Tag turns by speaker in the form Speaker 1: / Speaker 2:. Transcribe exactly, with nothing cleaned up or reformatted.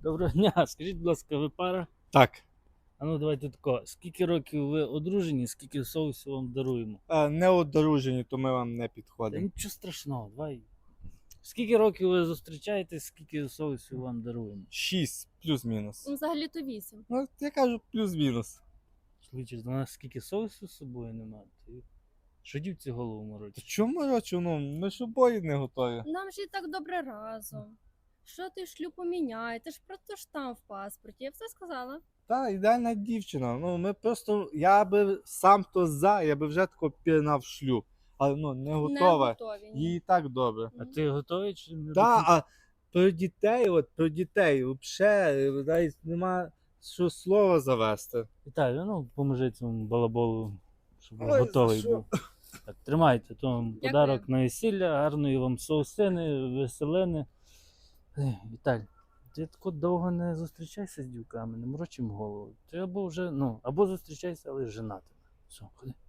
Speaker 1: Доброго дня, скажіть, будь ласка, ви пара?
Speaker 2: Так.
Speaker 1: А ну давайте тако. Скільки років ви одружені, скільки соусу вам даруємо?
Speaker 2: Е, Не одружені, то ми вам не
Speaker 1: Та
Speaker 2: підходимо.
Speaker 1: нічого страшного, давай. Скільки років ви зустрічаєтесь, скільки соусу вам даруємо?
Speaker 2: Шість плюс-мінус.
Speaker 3: Ну, взагалі-то вісім.
Speaker 2: Ну, я кажу плюс-мінус.
Speaker 1: Чоловіче, до нас скільки соусу з собою немає. Ти що дівці голову
Speaker 2: Та
Speaker 1: морочить?
Speaker 2: чому рочу? Ну, ми ж обоє не готові.
Speaker 3: Нам же і так добре разом. Що ти шлюб поміняй? Ти ж просто штамп в паспорті. Я все сказала.
Speaker 2: Та, ідеальна дівчина. Ну, ми просто, я би сам то за, я би вже тако пірнав шлюб. Але ну, не
Speaker 3: Не
Speaker 2: готова.
Speaker 3: готові. ні.
Speaker 2: Їй і так добре.
Speaker 1: А ти готовий чи не
Speaker 2: Та,
Speaker 1: до кінця?
Speaker 2: а про дітей, от про дітей, взагалі, навіть нема що слова завести.
Speaker 1: Віталій, ну поможи цьому балаболу, щоб
Speaker 2: Ой, за
Speaker 1: готовий
Speaker 2: що?
Speaker 1: був. Так, тримайте, то вам
Speaker 3: Дякую.
Speaker 1: подарок на весілля, гарної вам соусини, веселини. Ех, Віталь, ти тако довго не зустрічайся з дівками, не морочим голову. Ти або вже, ну, або зустрічайся, але женатим. Все, ходи.